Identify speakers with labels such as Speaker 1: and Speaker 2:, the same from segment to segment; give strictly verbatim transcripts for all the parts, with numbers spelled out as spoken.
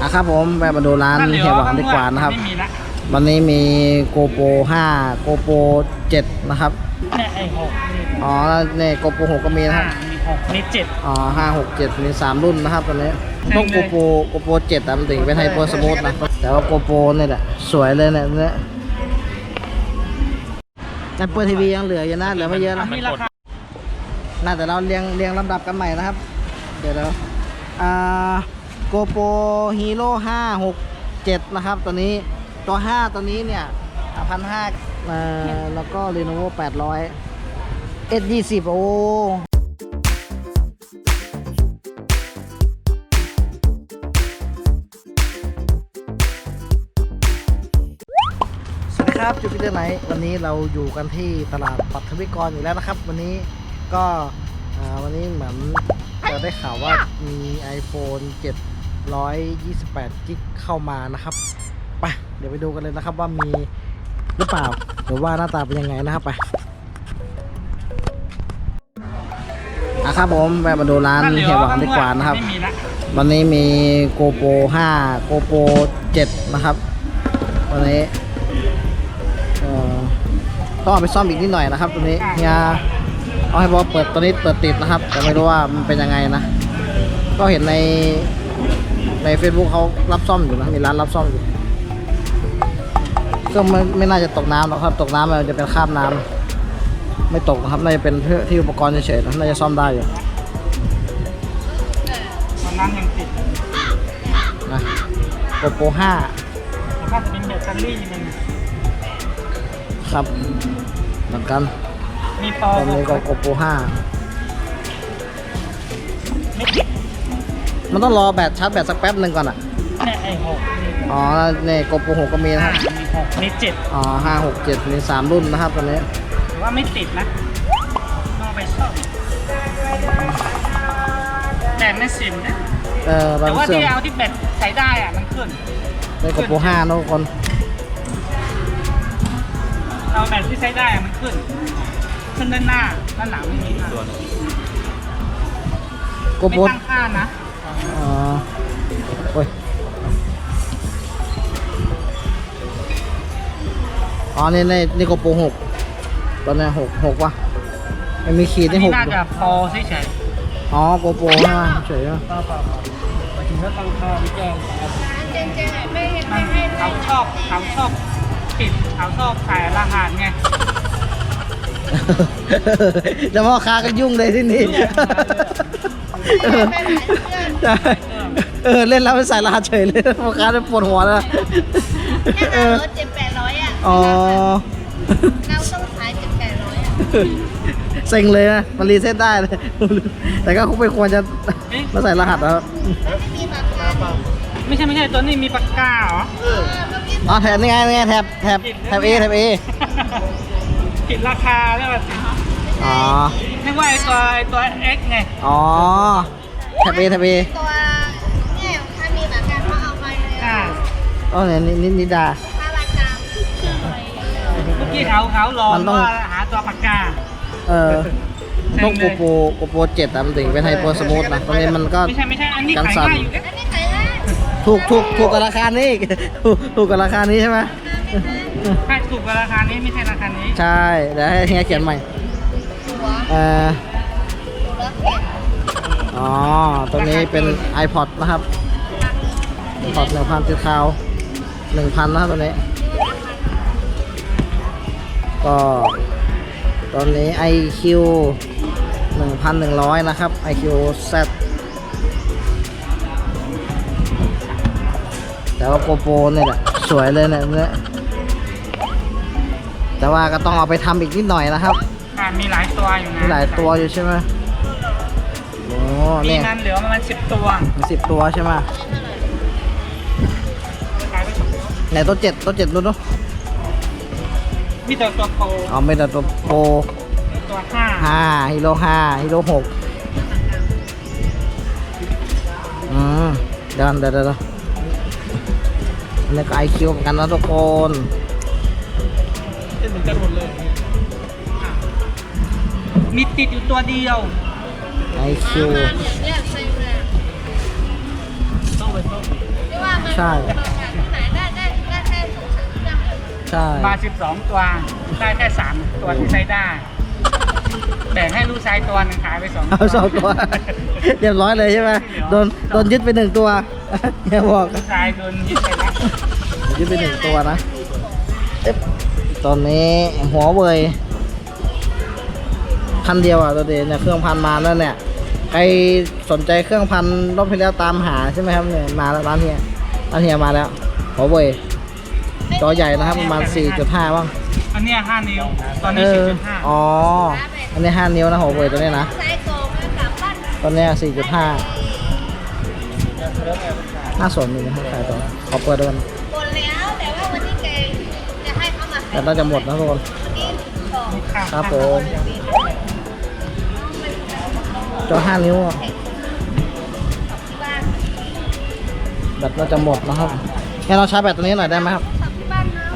Speaker 1: อ่ะครับผมแวะมาดูร้านเฮียหวังดีกว่านะครับวันนี้มีโกโปรห้าโกโปรเจ็ดนะครับ
Speaker 2: เนี่ยไอ้หก
Speaker 1: อ๋อเนี่ยโกโปรหกก็มีนะครับ
Speaker 2: มีหกมีเจ็ด
Speaker 1: อ๋อห้าหกเจ็ดมีสามรุ่นนะครับตอนนี้ต้องโกโปรโกโปรเจ็ดแต่มันถึงเป็นไฮเปอร์สมูทนะแต่ว่าโกโปรเนี่ยแหละสวยเลยเนี่ยเนี่ยแต่เปิดทีวียังเหลืออยู่นะเหลือไม่เยอะนะน่าแต่เราเรียงเรียงลำดับกันใหม่นะครับเดี๋ยวเราอ่าโกโปรฮีโร่ห้าหกเจ็ดนะครับตัวนี้ตัวห้าตัวนี้เนี่ยพันห้าแล้วก็ Lenovo แปดร้อย เอส ยี่สิบ โอ้สวัสดีครับจูปิเตอร์ไนท์วันนี้เราอยู่กันที่ตลาดปัทวิกรอยู่แล้วนะครับวันนี้ก็วันนี้เหมือนจะได้ข่าวว่ามี iPhone เจ็ดร้อยยี่สิบแปด จิกเข้ามานะครับไปเดี๋ยวไปดูกันเลยนะครับว่ามีหรือเปล่าหรือว่าหน้าตาเป็นยังไงนะครับไปอ่ะครับผมแวะมาดูร้านเฮียหวังดีกว่านะครับวันนี้มีโกโปรห้าโกโปรเจ็ดนะครับวันนี้ต้องเอาไปซ่อมอีกนิดหน่อยนะครับตัวนี้เฮียเอาให้บอกเปิดตัวนี้เปิดติดนะครับแต่ไม่รู้ว่ามันเป็นยังไงนะก็เห็นในใน Facebook เขารับซ่อมอยู่นะมีร้านรับซ่อมอยู่ก็ไม่ไม่น่าจะตกน้ำหรอกครับตกน้ำมันจะเป็นคราบน้ำไม่ตกนะครับน่าจะเป็นเพื่อที่อุปกรณ์เฉยๆนะน่าจะซ่อมได้อยู่
Speaker 2: น้ำยังติด
Speaker 1: นะโกโปรห้า
Speaker 2: แล้วก็จะเป็นแบตเตอรี่มัน
Speaker 1: ครับเหมือนกัน
Speaker 2: มีต่อ
Speaker 1: ตอนนี้ก็โกโปรห้ามันต้องรอแบตชาร์จแบตสักแป๊บหนึ่งก่อนอ่ะ
Speaker 2: เนี่ยไอ้หก
Speaker 1: อ๋อเนี่ยโกโปรหกก็มีนะครับ
Speaker 2: มีหกมีเจ็ด
Speaker 1: อ๋อห้าหกเจ็ดมีสามรุ่นนะครับตอนนี้
Speaker 2: ถือว่าไม่ติดนะต้องไปซ่อมแต่ไม่ซิมนะ
Speaker 1: เออ
Speaker 2: แต่ว่าที่เอาที่แบตใช้ได้อ่ะมันขึ้น
Speaker 1: ในโกโปรห้านะทุกคน
Speaker 2: เอาแบตที่ใช้ได้มันขึ้นขึ้นด้านหน้าด้านหลังไม่มีค่ะ
Speaker 1: โกโปร
Speaker 2: ไม่ตั้งค่านะ
Speaker 1: อ๋อโอ้ยอ๋อนี่ในนี่โกโปรหกตอนนี้หกหกวะมันมีขีดที่หก
Speaker 2: น่าจะพอเฉย
Speaker 1: ๆอ๋อโกโปรใช่ไหมเฉยๆ
Speaker 2: ไปถึงก็ตั้งค่าไม่แจ้งเขาชอบเขาชอบปิดเขาชอบขายรหัสไง
Speaker 1: จะพ่อค้าก็ยุ่งเลยที่นี่เออเล่นแล้วไปใส่รหัสเฉยเลยพ่อค้าจะปวดหัวแล้ว
Speaker 3: แค่รถเจ็ดแปดร้อยอ่ะ
Speaker 1: อ๋อ
Speaker 3: เราต้องขายเจ็ดแปดร้อยอ่ะ
Speaker 1: เซ็งเลยนะมันรีเซ็ตได้เลยแต่ก็คงไม่ควรจะมาใส่รหัสแล้ว
Speaker 3: ไม่มีปากกา
Speaker 2: ไม่ใช่ไม่ใช่ตัวนี้มีปากกาเหรอ
Speaker 1: อ๋อแถบนี่ไงนี่ไงแถบแถบแถบเอแถบเอ
Speaker 2: ผิดราคาแล้วสิ
Speaker 1: อ๋อ
Speaker 2: นึกว่าไอตัวไอตัว X ไง
Speaker 1: อ๋อแถบเอแถบเอ
Speaker 3: ตัวเนี่ยถ้ามีปากกาเขาเอาไปเลย
Speaker 2: อ่า
Speaker 1: อ๋อเนี่ยนินิดา
Speaker 3: ถ้าปากกา
Speaker 2: เมื่อกี้เขาเขาลองว่าหาตัวปากกา
Speaker 1: เออต้องโกโปรโกโปรเจ็ดแต่มันถึงเป็นไฮเปอร์สมูทนะตอนนี้มันก็
Speaker 2: ไม่ใช่ไม่ใช่อันนี้ขายง่ายอยู่อันนี้ขายง่าย
Speaker 1: ถูกถูกถูกกับราคานี้ถูกถูกกับราคานี้ใช่ไหม
Speaker 2: ใช่ถูกกับราคานี้ไม่ใช่ราคานี้
Speaker 1: ใช่เดี๋ยวให้เฮียเขียนใหม่เอออ๋อตัวนี้เป็น iPod นะครับ iPod หนึ่งพันติดคาวหนึ่งพันนะครับตัวนี้ก็ตอนนี้ ไอ คิว หนึ่งพันหนึ่งร้อยนะครับ ไอ คิว แซด แต่ว่าโกโปรเนี่ยแหละสวยเลยเนี่ยเนี่ยแต่ว่าก็ต้องเอาไปทำอีกนิดหน่อยนะครับ
Speaker 2: มีหลายตัวอยู่นะ
Speaker 1: มีหลายตัวอยู่ใช่ไหมโอ้
Speaker 2: เนี่ยมีมันเหลือประมาณสิบตัว
Speaker 1: มีสิบตัวใช่ไหมไหนตัวเจ็ดตัวเจ็ดดูดู
Speaker 2: มีแต่ตัวโปร
Speaker 1: อ๋อไม่แต่ตัวโปร
Speaker 2: ตัวห้า
Speaker 1: ห้าฮีโร่ห้าฮีโร่หกอืมเดี๋ยวเดี๋ยวเดี๋ยวอันนี้ก็ไอคิวเหมือนกันนะทุกคน
Speaker 2: เหมือนกันหมดเลยมีติดอยู่ตัวเดียว
Speaker 1: ไอคิว
Speaker 3: ต้องไปต้องไม่ว่า
Speaker 1: ใช่
Speaker 3: ที่ไหนได้ได้ได้แค่สองสามเครื่อง
Speaker 1: ใช่
Speaker 2: มาสิบสองตัวได้แค่สามตัวที่ใช้ได้แบ่งให้ลูกชายตัวหนึงขายไปสองตัว
Speaker 1: เอาสองตัวเรียบร้อยเลยใช่ไหมโดนโดนยึดไปหนึ่งตัวอย่าบอก
Speaker 2: ลูกชายโดนยึดไปแล้ว
Speaker 1: ยึดไปหนึ่งตัวนะเอ๊ะตอนนี้หัวเว่ยพันเดียวอ่ะตัวเดียวเนี่ยเครื่องพันมาแล้วเนี่ยใครสนใจเครื่องพันรอบที่แล้วตามหาใช่ไหมครับเนี่ยมาแล้วร้านเฮียร้านเฮียมาแล้วหัวเว่ยจอใหญ่นะครับประมาณ สี่จุดห้า บ้าง
Speaker 2: อันเนี้ยห้านิ้วตอน
Speaker 1: เอ
Speaker 2: นี้
Speaker 1: อ
Speaker 2: สี่จุดห้า
Speaker 1: อ๋ออันนี้ห้านิ้วนะหัวเว่ยตัวนี้นะ
Speaker 3: ไซส์โกงกลับบ้าน
Speaker 1: ตอนนี้ สี่จุดห้า น่าสนอยู่นะครับขายต่อขอเปิดด้วยกัน
Speaker 3: หมดแล้วแต่ว่าวันนี้แกจะให้เขามา
Speaker 1: แต่น่าจะหมดนะทุกคน
Speaker 3: กินต่อ
Speaker 1: ครับผมจอห้านิ้วอะ
Speaker 3: ที่บ้าน
Speaker 1: แบตน่าจะหมดนะครับงั้นเราชาร์จแบตตัวนี้หน่อยได้ไหมครับ
Speaker 3: สับที่บ้านนะ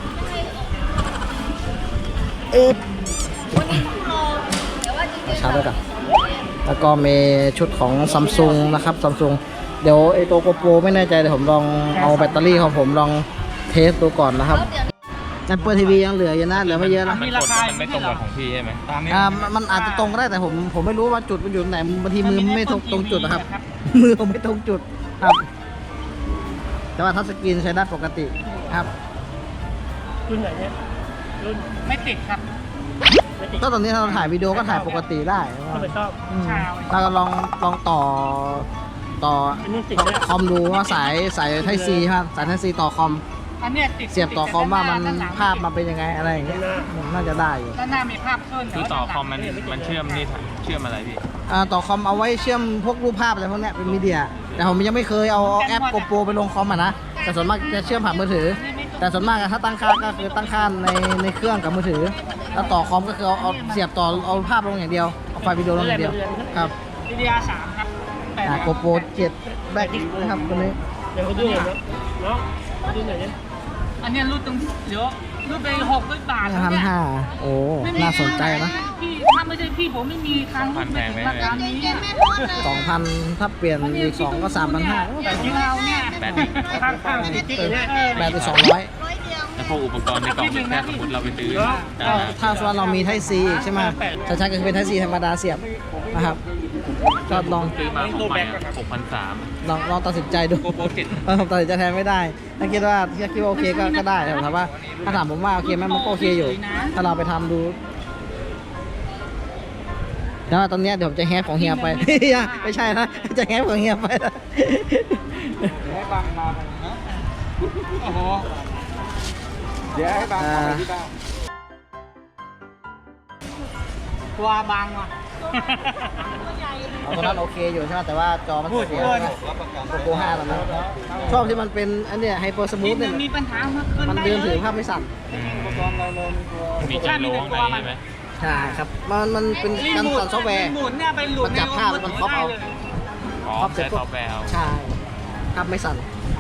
Speaker 1: เอ๊ะ
Speaker 3: วันนี้ต้องรอแต่ว่าจริงๆ
Speaker 1: ชาร์จด้วยกันแล้วก็มีชุดของซัมซุงนะครับซัมซุงเดี๋ยวไอตัวโกโปรไม่แน่ใจเดี๋ยวผมลองเอาแบตเตอรี่ของผมลองเทสดูก่อนนะครับ
Speaker 3: แล้วเดี๋ยว
Speaker 1: แอปเปิลทีวียังเหลืออยู่นะเหลือไม่เยอะนะ
Speaker 2: มีราคามันไม่ตรงกับของพี่ใช่ไหม
Speaker 1: อ่ามันมันอาจจะตรงก็ได้แต่ผมผมไม่รู้ว่าจุดมันอยู่ตรงไหนบางทีมือไม่ตรงตรงจุดนะครับ มือผมไม่ตรงจุดครับ แต่ว่าทัชสกรีนใช้ได้ปกติครับ
Speaker 2: รุ่นไหนเนี่ยรุ่นไม่ติดครับ
Speaker 1: ก็ตอนนี้เราถ่ายวิดีโอก็ถ่ายปกติได้
Speaker 2: ไม่ชอบ
Speaker 1: อืม
Speaker 2: ใช่
Speaker 1: เราก็ลองลองต่อต่อคอมดูว่าสายสายไทซีครับสายไทซีต่อคอม
Speaker 2: อันเนี้ยติด
Speaker 1: เสียบต่อคอมว่ามัน
Speaker 2: ด้หลัง
Speaker 1: ภาพมันเป็นยังไงอะไรอย่างเงี้ยน่าจะได้อยู่
Speaker 2: ด้านหน้ามีภาพขึ้น
Speaker 4: คือต่อคอมมันมันเชื่อมนี่เชื่อมอะไรพี่
Speaker 1: อ่าต่อคอมเอาไว้เชื่อมพวกรูปภาพอะไรพวกเนี้ยเป็นมีเดียแต่ผมยังไม่เคยเอาเอาแอปโกโปรไปลงคอมอ่ะนะแต่ส่วนมากจะเชื่อมผ่านมือถือ แต่ส่วนมากอะถ้าตั้งค่าก็คือตั้งค่าในในเครื่องกับมือถือแล้วต่อคอมก็คือเอาเอาเสียบต่อเอาภาพลงอย่างเดียวเอาไฟล์วิดีโอลงอย่างเดียวครับ
Speaker 2: วิดีอาร์สามครับแปด
Speaker 1: อ่าโกโปรเจ็ดแบ็คนะครับตัวนี้
Speaker 2: เดี๋ยวเขาดูหน่อยนะเนาะดูหน่อยเนี่ยอันเนี้ยรูดตรงเดี๋ยวรูดไปหกร้อยบาท
Speaker 1: พันห้าโอ้น่าสนใจนะ
Speaker 2: พี่ถ้าไม่ใช่พี่ผมไม่มีครั้งรูดไปถึงราคานี้
Speaker 3: เย็นๆแม่ทอดเลย
Speaker 1: สองพันถ้าเปลี่ยนอีกสองก็สามพันห้า
Speaker 2: แต่ที่เราเนี่ย
Speaker 4: แบต
Speaker 2: ข้างข้างๆติ๊กๆเนี่ย
Speaker 1: แบตไปสองร้อย
Speaker 3: ร้อยเดียว
Speaker 4: แล้วพวกอุปกรณ์ในกล่องแค่สมมติเราไปซื้อ
Speaker 1: ก็ถ้าส่วนเรามีไทซีอีกใช่ไหมจะใช้ก็คือเป็นไทซีธรรมดาเสียบนะครับก็ลอง
Speaker 4: ซื้อมาของใหม่หกพันสาม
Speaker 1: ลองลองตัดสินใจดู
Speaker 4: โกโปรเจ็ด
Speaker 1: เออผมตัดสินใจแทนไม่ได้ ถ้าคิดว่าถ้าคิดว่าโอเคก็ก็ได้แต่ผมถามว่าถ้าถามผมว่าโอเคไหมมันก็โอเคอยู่ ถ้าเราไปทำดูแล้วตอนเนี้ยเดี๋ยวผมจะแฮปของเฮียไป ไม่ใช่นะจะแฮปของเฮียไป
Speaker 2: โอ้โห
Speaker 1: อ่า
Speaker 2: ตัวบางว่ะ
Speaker 1: เอาตัวนั้นโอเคอยู่ใช่ไหมแต่ว่าจอมัน
Speaker 2: พูด
Speaker 1: เสีย
Speaker 2: เกิน
Speaker 1: โกโปรห้าตอนนั้นชอบที่มันเป็นอันเนี้ยไฮเปอร์สมูทเนี่ย
Speaker 2: มีปัญหาเมื่อคืน
Speaker 1: มันเดินถือภาพไม่สั่น
Speaker 4: มีจิโลข้างในใช่ไหม
Speaker 1: ใช่ครับ มันมันเป็นการสั่นซอฟต์แวร์
Speaker 2: หมุนเนี่ยไปหลุด
Speaker 1: มันจับภาพแล้วมันครอบเอา
Speaker 4: อ๋อใช้ซอฟต์แวร์เอา
Speaker 1: ใช่ภาพไม่สั่น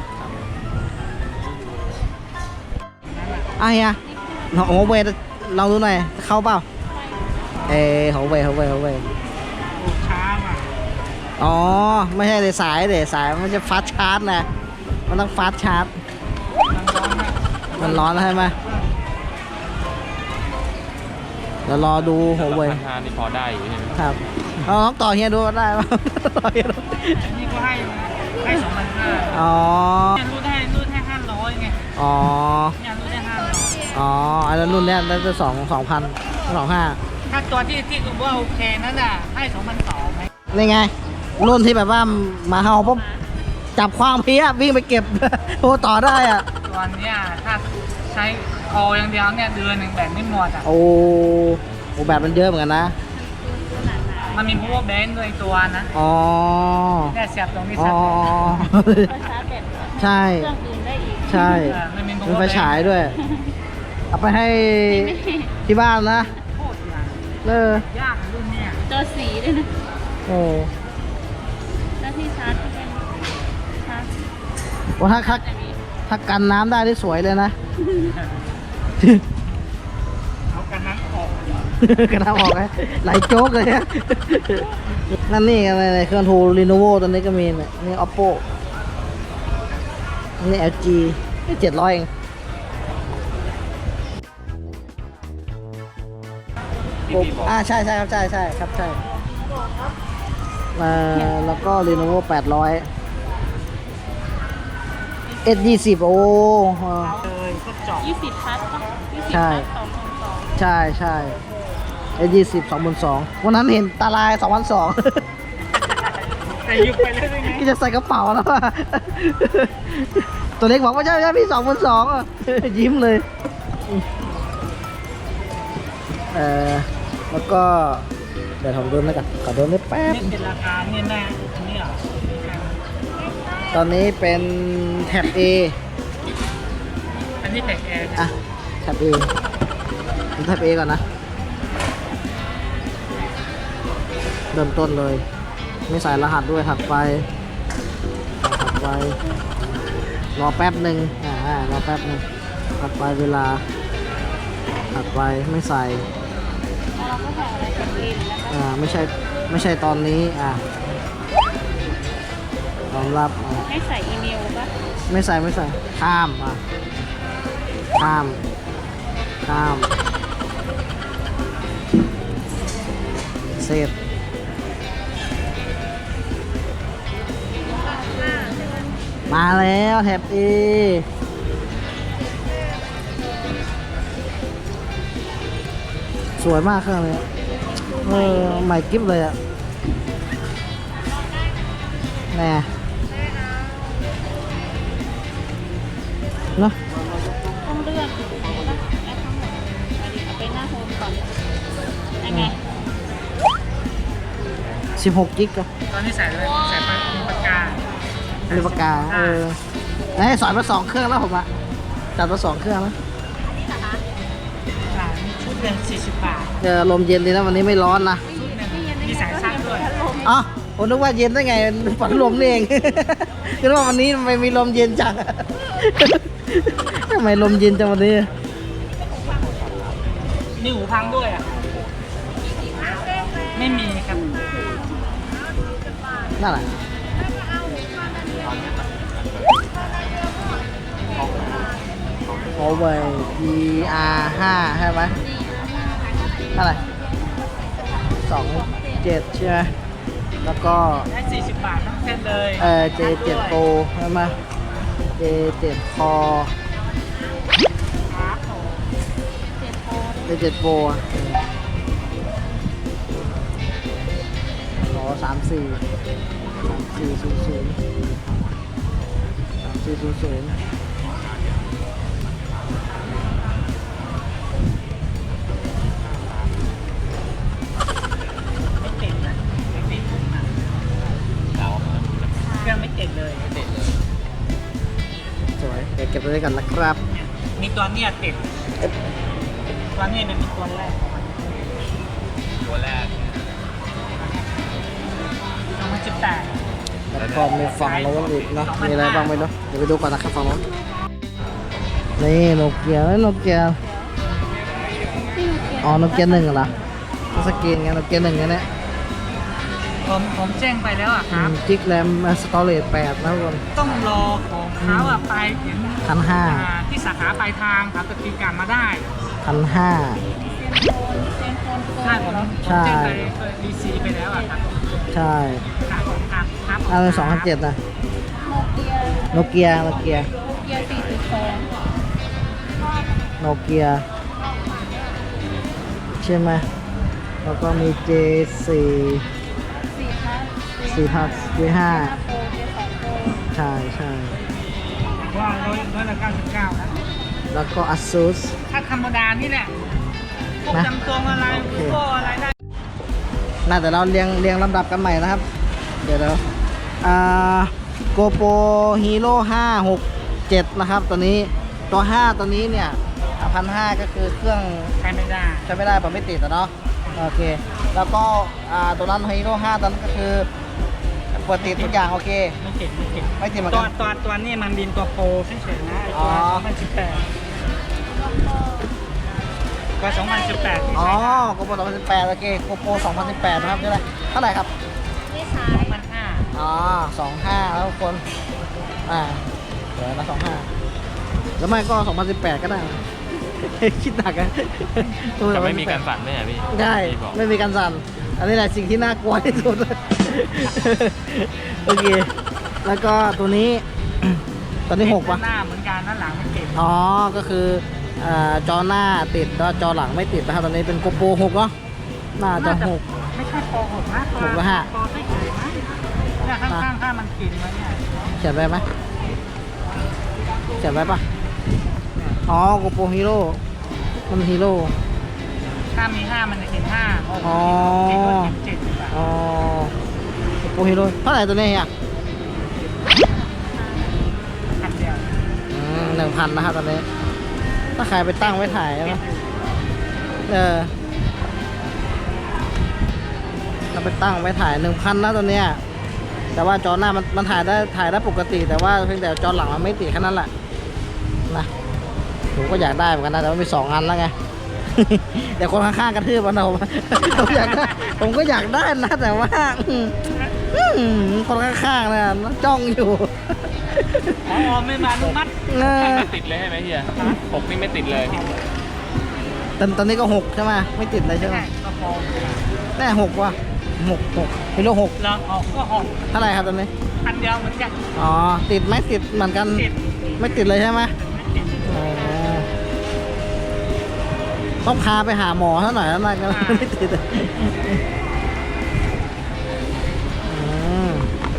Speaker 1: อ่ะเฮียเราโอ้เวลองดูหน่อยเข้าเปล่าเออหัวเว่ยหัวเว่ยหัวเว่ย
Speaker 2: ช้าว่ะ
Speaker 1: อ๋อไม่ใช่เลยสายเลยสายมันจะฟาสต์ชาร์จนะมันต้องฟาสต์ชาร์จมันร้อนแล้วใช่ไหมเดี๋ยวรอดูหัวเว่ย
Speaker 4: พันห้านี่พอได้อยู่ใช่ไหม
Speaker 1: ครับเอาลองต่อเฮียดูก็ได้ป่ะ ต่อเฮียดู
Speaker 2: นี่ก็ให้ให้สองพันห้า
Speaker 1: อ๋อ
Speaker 2: เนี่ยรูดให้รูดให้ห้าร้อยไง
Speaker 1: อ๋อ
Speaker 2: เนี่ยรูดให้ห้าร้อย
Speaker 1: อ๋ออันนั้นรุ่นเนี้ยได้จะสองสองพันสองห้า
Speaker 2: ถ้าตัวที่ที่กูว่าโอเคนั่นน่ะให้สองพันสองไหม
Speaker 1: นี่ไง รุ่นที่แบบว่ามาเฮาปุ๊บจับความเพี้ยวิ่งไปเก็บ โทรต่อได้อ่ะ
Speaker 2: ตัวเนี้ยถ้าใช้คออย่างเดียวเนี่ยเดือนหนึ่งแบตไม่หมดอ่ะ
Speaker 1: โอ้โหแบบมันเยอะเหมือนกันนะ
Speaker 2: มันมี power bank ด้วยตัวนะ
Speaker 1: อ๋อ
Speaker 2: เนี่ยเสียบตรงนี้
Speaker 1: อ๋อ
Speaker 2: ชัด
Speaker 1: ใช่ ใช่
Speaker 2: เออมันมี
Speaker 1: มี
Speaker 2: power
Speaker 1: ไฟ
Speaker 2: bank
Speaker 1: ฉายด้วย เอาไปให้ที่บ้านนะ
Speaker 2: โคตรยาก
Speaker 1: เออ
Speaker 2: ยากรุ่นเนี้ย
Speaker 5: จอสีด้วยนะ
Speaker 1: โอ้
Speaker 5: หน้าที่ชาร์จก็เป็นชาร์จ
Speaker 1: โหถ้าถ้าถ้ากันน้ำได้ที่สวยเลยนะ
Speaker 2: เอากันนั้นออก
Speaker 1: กระทำออกไหมไหลโจ๊กเลยฮะ นั่นนี่อะไรเครื่องทูรีโนโวตัวนี้ก็มีเนี่ยนี่ oppo นี่ แอล จี เจ็ดร้อยเอง
Speaker 4: ที่พี่บอก
Speaker 1: อ่าใช่ใช่ครับใช่ใช่ครับใช่เอ่อแล้วก็ Lenovo แปดร้อย เอส ยี่สิบ โอ้เออ
Speaker 2: เลยก็เจาะ
Speaker 5: ยี่สิบพัดป่ะยี่สิบ
Speaker 1: ใช่
Speaker 5: พัดสองพันสอง
Speaker 1: ใช่ใช่ เอส ยี่สิบ สองพันสองวันนั้นเห็นตาลาย สองพันสอง
Speaker 2: แต่ยุบไปเลยไง
Speaker 1: ก็จะใส่กระเป๋าแล้วอะ ตัวเล็กบอกว่าใช่ใช่พี่สองพันสองอ่ะ ยิ้มเลย เออแล้วก็ เดี๋ยวผมดูนะกันขอดูนิดแป๊บ
Speaker 2: นี่เป็นราคาเนี่ยแน่อันนี้เหรอ
Speaker 1: ตอนนี้เป็นแท็บ A
Speaker 2: อันนี้แท็กแอร์
Speaker 1: อ่ะแท็บ A ผมแท็บ A ก่อนนะ เริ่มต้นเลย ไม่ใส่รหัสด้วยถัดไปถัดไป รอแป๊บหนึ่งอ่ารอแป๊บหนึ่งถัดไปเวลา ถัดไปไม่ใส่
Speaker 5: แล้วเราก็ใส่อะไรกันเองแล้วก็
Speaker 1: อ่าไม่ใช่ไม่ใช่ตอนนี้อ่าตอนรับอ่า
Speaker 5: ให้ใส่อีเมลป่ะ
Speaker 1: ไม่ใส่ไม่ใส่ข้ามอ่ะข้ามข้ามเสร็จมาแล้วแท็บ A สวยมากเครื่องนี้เออใหม่กิ๊บเลยอ่ะแน่เนาะ
Speaker 5: ต้องเลือกถูกไหมป่ะแอปทั้งหมดเอาดิเอาไปหน้าโฮมก่อนยังไง
Speaker 1: สิบหกกิกอะ
Speaker 2: ตอนนี้ใส่เลยใส่ปากปากกา
Speaker 1: มีปากกาเออไหนสอนมาสองเครื่องแล้วผมอะจัดมาสองเครื่องแล้ว
Speaker 2: อ่ามีชุดหนึ่งสี่สิบบาท
Speaker 1: เจอลมเย็นดีนะวันนี้ไม่ร้อนนะ
Speaker 2: ชุดหนึ่งมีสายชาร์จด้วย
Speaker 1: อ๋อผมนึกว่าเย็นได้ไงฝันลมนี่เอง คิดว่าวันนี้ทำไมมีลมเย็นจัง ทำไมลมเย็นจังวันนี้
Speaker 2: มีหูพังด้วยอ่ะ ไม่มีครับ
Speaker 1: นั่นแหละโอเวอร์ ดี อาร์ ห้าใช่ไหมเท่าไหร่สองเจ็ดใช่ไหมแล้วก็
Speaker 2: ได้สี่สิบบาททั้งเส้นเลย
Speaker 1: เออ เจ เจ็ด Pro ใช่ไหม เจ เจ็ด Core
Speaker 2: ครับผม
Speaker 5: เจ็ดโพ
Speaker 1: เจ เจ็ด Pro อ่ะรอสามสี่สามสี่ศูนย์ศูนย์สามสี่ศูนย์ศูนย์
Speaker 2: ไม่เก่งนะไม่ติดนะเครื่องไม่เก่งเลยติดเลย
Speaker 1: สวยเดี๋ยวเก็บไว้กันนะครับ
Speaker 2: มีตัวเนี้ยติดตัวเนี้ยมันเป็นตัวแรก
Speaker 4: ตัวแรก
Speaker 2: สองพันสิบแปด
Speaker 1: แล้วก็มีฝั่งโน้นอีกเนาะมีอะไรบ้างไม่รู้เดี๋ยวไปดูก่อนนะครับฝั่งโน้นนี่โนเกียโนเกียอ๋อโนเกียหนึ่งเหรอสกรีนไงโนเกียหนึ่งเนี่ย
Speaker 2: ผมผมแจ้งไปแล้วอ่ะครับ
Speaker 1: จิกแรมสตอเรจแปดนะทุกคน
Speaker 2: ต้องรอของเขาอ่ะไปถึง
Speaker 1: พันห้า
Speaker 2: อ่าที่สาขาปลายทางครับจะตีกลับมาได้
Speaker 1: พันห้า
Speaker 5: เซนโฟนโฟน
Speaker 2: ใช่ผมผม
Speaker 1: ใช่
Speaker 2: แจ้งไปดีซีไปแล้วอ่ะครับ
Speaker 1: ใช่
Speaker 2: ครับผมครับครับผม
Speaker 1: อันเป็นสองพันเจ็ดนะ
Speaker 5: โนเกีย
Speaker 1: โนเกียโนเกีย
Speaker 5: โนเกียสี่จุดสอง
Speaker 1: โนเกียใช่ไหมแล้วก็มี เจ สี่
Speaker 5: สี่พัด
Speaker 1: สี่พัน เจ ห้า
Speaker 5: โปรเจสองโปร
Speaker 1: ใช่ใช่
Speaker 2: ว่าร้อยร้อยละเก้าสิบเก้านะ
Speaker 1: แล้วก็ ASUS
Speaker 2: ถ้าธรรมดานี่แหละพวก
Speaker 1: นะ
Speaker 2: จำตัวอะไร
Speaker 1: โอเค
Speaker 2: พวกอะไรได้
Speaker 1: น่าแต่เราเรียงเรียงลำดับกันใหม่นะครับ เดี๋ยวเราอ่า GoPro Hero ห้า หก เจ็ดนะครับตัวนี้ตัวห้าตัวนี้เนี่ยพันห้าก็คือเครื่อง
Speaker 2: ใช้ไม่ได้
Speaker 1: ใช้ไม่ได้ผมไม่ติดอะเนาะโอเค แล้วก็อ่าตัวนั้น Hero ห้าตัวนั้นก็คือเปิดติดทุกอย่างโอเค
Speaker 2: ไม่เก่งไม่เก่ง
Speaker 1: ไม่ติดเหมือน
Speaker 2: ตั
Speaker 1: กั
Speaker 2: วน ตัวตัวนี้มันบินตัวโปรเฉยๆนะไอ้
Speaker 1: อ๋
Speaker 2: ตัว
Speaker 1: อ
Speaker 2: สองพันสิบแปดตัวสองพันสิบแปดที่
Speaker 1: อ๋อ
Speaker 2: ใช้ได้
Speaker 1: GoPro สองพันสิบแปดโอเค GoPro สองพันสิบแปดนะครับเท่าไหร่เท่าไหร่ครับ
Speaker 3: นี่สา
Speaker 2: สอย งพันห้า
Speaker 1: อ๋อสองห้าแล้วทุกคนอ่าเดี๋ยวนะสองห้าแล้วไม่ก็สองพันสิบแปดก็ได้ คิดหนักอะ
Speaker 4: จะไม่มีการสั่นไหมอ่ะพี่
Speaker 1: ใช่
Speaker 4: พี่บอก
Speaker 1: ไม่มีการสั่นอันนี้แหละสิ่งที่น่ากลัวที่สุด โอเค แล้วก็ตัวนี้ ตอนนี้หกปะ
Speaker 2: หน้าเหมือนกันด้านหลังไม่ติด
Speaker 1: อ๋อ ก็คืออ่าจอหน้าติดแล้วจอหลังไม่ติดนะครับตอนนี้เป็นโกโปรหกเนาะน่าจะหก
Speaker 2: ไม่ใช่โปรหกนะ
Speaker 1: หกแล้วฮะ
Speaker 2: โปรไม่เฉยนะเนี่ยข้างๆถ้ามันกินไว้เนี่ย
Speaker 1: เขียนไว้ไหมเขียนไว้ปะอ๋อโกโปรฮีโร่มันฮีโร่
Speaker 2: ถ้ามีห้ามันจะกินห้าหก
Speaker 1: อ๋อ
Speaker 2: กินก็กินเจ็ดดีกว่า
Speaker 1: อ๋อโกโปรฮีโร่เท่าไหร่ตัวนี้อ่ะ
Speaker 2: อันเดียว
Speaker 1: หนึ่งพันนะครับตอนนี้ ถ้าใครไปตั้งไว้ถ่ายนะเออถ้าไปตั้งไว้ถ่ายหนึ่งพันนะตัวเนี้ยแต่ว่าจอหน้ามันมันถ่ายได้ถ่ายได้ปกติ แต่ว่าเพียงแต่จอหลังมันไม่ติดแค่นั้นแหละนะผมก็อยากได้เหมือนกันนะแต่ว่ามีสองอันแล้วไง แต่คนข้างๆกระทืบมันเรา ผมอยากได้ผมก็อยากได้นะแต่ว่าอืมอืมคนข้างๆเนี่ยจ้องอยู่
Speaker 2: อ๋อไม่มานุมัติ
Speaker 1: เออ
Speaker 4: ไม่ติดเลยใช่ไหมเฮียหกนี่ไม่ติดเลย
Speaker 1: ตอนตอนนี้ก็หกใช่ไหมไม่ติดเลยใช่ไหม
Speaker 2: ใช่ก็โปร
Speaker 1: แน่หกว่ะหกหกฮีโร่หก
Speaker 2: แล้วออกก็หก
Speaker 1: เท่าไหร่ครับตอนนี้
Speaker 2: อันเดียวเหมือนกัน
Speaker 1: อ๋อติดไหมติดเหมือนกัน
Speaker 2: ติด
Speaker 1: ไม่ติดเลยใช่ไหม
Speaker 2: ไม่ติด
Speaker 1: อ๋อต้องพาไปหาหมอซะหน่อยแล้วนะก็ไม่ติดอืม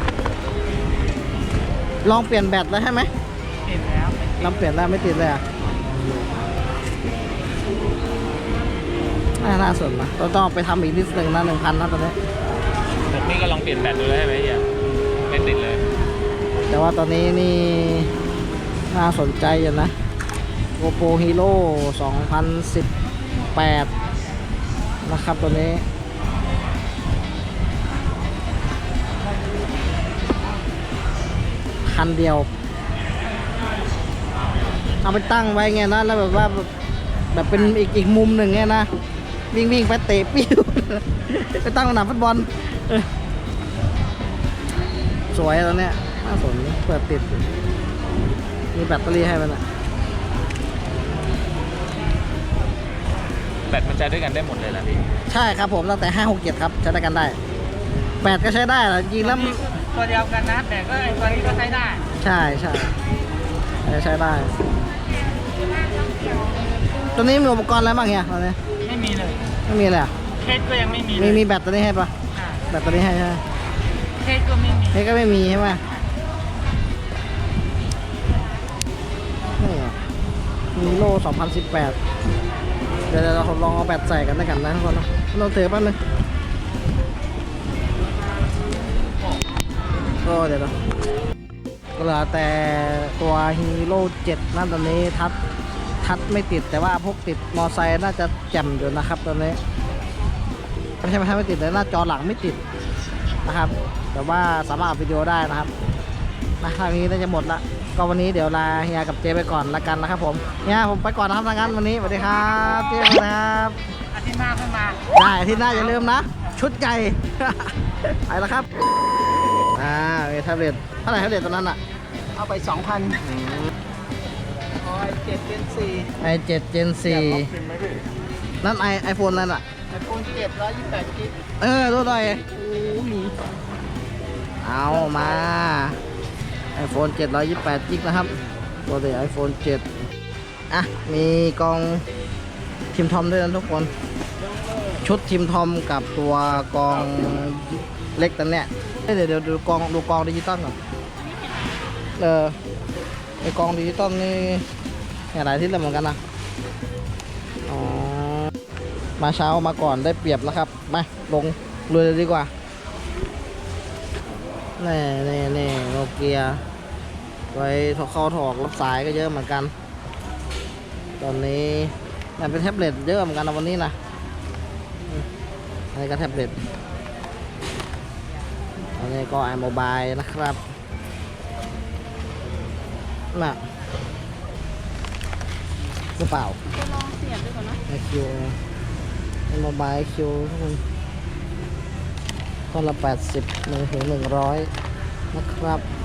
Speaker 1: ลองเปลี่ยนแบตแล้วใช่ไหม
Speaker 2: ติดแล้ว
Speaker 1: ลองเปลี่ยนแล้วไม่ติดเลยอ่ะน่าน่าสนนะเราต้องเอาไปทำอีกนิดนึงนะหนึ่งพันนะตอนนี้
Speaker 4: หกนี่ก็ลองเปลี่ยนแบตดูเลยใช่ไหมเฮียไม่ติดเลย
Speaker 1: แต่ว่าตอนนี้นี่น่าสนใจอยู่นะ GoPro Hero สองพันสิบแปดนะครับตัวนี้คันเดียว เอาไปตั้งไว้ไงนะแล้วแบบว่าแบบเป็นอีกอีกมุมหนึ่งไงนะ วิ่งวิ่งไปเตะปิ้ว ไปตั้งสนามฟุตบอลเออสวยตอนเนี้ยน่าสนเปิดติด มีแบตเตอรี่ให้มันอ่ะ
Speaker 4: แบตมันใช้ด้วยกันได้หมดเลยนะพี่
Speaker 1: ใช่ครับผมตั้งแต่ห้าหกเจ็ดครับใช้ได้กันได้แปดก็ใช้ได้แหละจริงแล้ว
Speaker 2: ตัวเดียวกันนะแต่ก็ไอ้ตัวนี้ก็ใช้ได้
Speaker 1: ใช่ใช่ใช้ได้ ตัวนี้มีอุปกรณ์อะไรบ้างเนี่ยตอนนี้
Speaker 2: ไม่มีเลย
Speaker 1: ไม่มีเลยอ่ะ
Speaker 2: เคสก็ยังไม่มีเล
Speaker 1: มี
Speaker 2: ย
Speaker 1: มีแบตตัวนี้ให้ปะ
Speaker 2: อ่า
Speaker 1: แบตตัวนี้ให้ใช่ไหม
Speaker 2: เคสก็ไม่มี
Speaker 1: นี่ก็ไม่มีใช่ไหมนี่มีโลสองพันสิบแปดเดี๋ยวเราลองเอาแบตใส่กันด้วยกันนะทุกคนนะเราถือแป๊บนึงก็เดี๋ยวเราก็เหลือแต่ตัวฮีโร่เจ็ดนั่นตอนนี้ทัดทัดไม่ติดแต่ว่าพวกติดมอไซค์น่าจะแจ่มอยู่นะครับตอนนี้ไม่ใช่ไม่ใช่ไม่ติดเลยหน้าจอหลังไม่ติดนะครับ แต่ว่าสามารถอัดวิดีโอได้นะครับนะทางนี้น่าจะหมดละก็วันนี้เดี๋ยวลาเฮียกับเจไปก่อนละกันนะครับผมเฮียผมไปก่อนนะครับทางนั้นวันนี้สวัสดีครับเจครับ
Speaker 2: อาทิตย์หน้าค่อยมา
Speaker 1: ได้อาที่หน้าอย่าลืมนะ ชุดใหญ่ ไปแล้วครับอ่ามีแท็บเล็ตเท่าไหร่แท็บเล็ตตอนนั้นอ่ะ
Speaker 2: เอาไปสองพันโอ้ยเจ็ดเป็นสี่
Speaker 1: ไอเจ็ดเจนสี่นั่นไอไอโฟนนั่นอ่ะ
Speaker 2: ไอโฟนเจ็ดร้อยยี่สิบแปดกิก
Speaker 1: เออดูหน่อยเอามา iPhone เจ็ดร้อยยี่สิบแปดจิกนะครับตัวเดียว iPhone เจ็ดอ่ะมีกองทีมทอมด้วยนะทุกคน ชุดทีมทอมกับตัวกองเล็กตัวเนี้ยเดี๋ยวเดี๋ยวดูกองดูกองดิจิตอลก่อนเออไอกองดิจิตอลนี่หลายที่เลยเหมือนกันนะอ๋อมาเช้ามาก่อนได้เปรียบแล้วครับมาลงเลยดีกว่าแน่แน่แน่โนเกียไว้ถอดเข้าถอกรับสายก็เยอะเหมือนกัน ตอนนี้มันเป็นแท็บเล็ตเยอะเหมือนกันนะวันนี้นะอันนี้ก็แท็บเล็ตอันนี้ก็ไอโมบายนะครับน่ะหรือเปล่า
Speaker 5: จะลองเสียบดูก่อนนะ
Speaker 1: ไอคิวไอโมบายคิวทุกคนคนละแปดสิบหนึ่งถึงหนึ่งร้อยนะครับ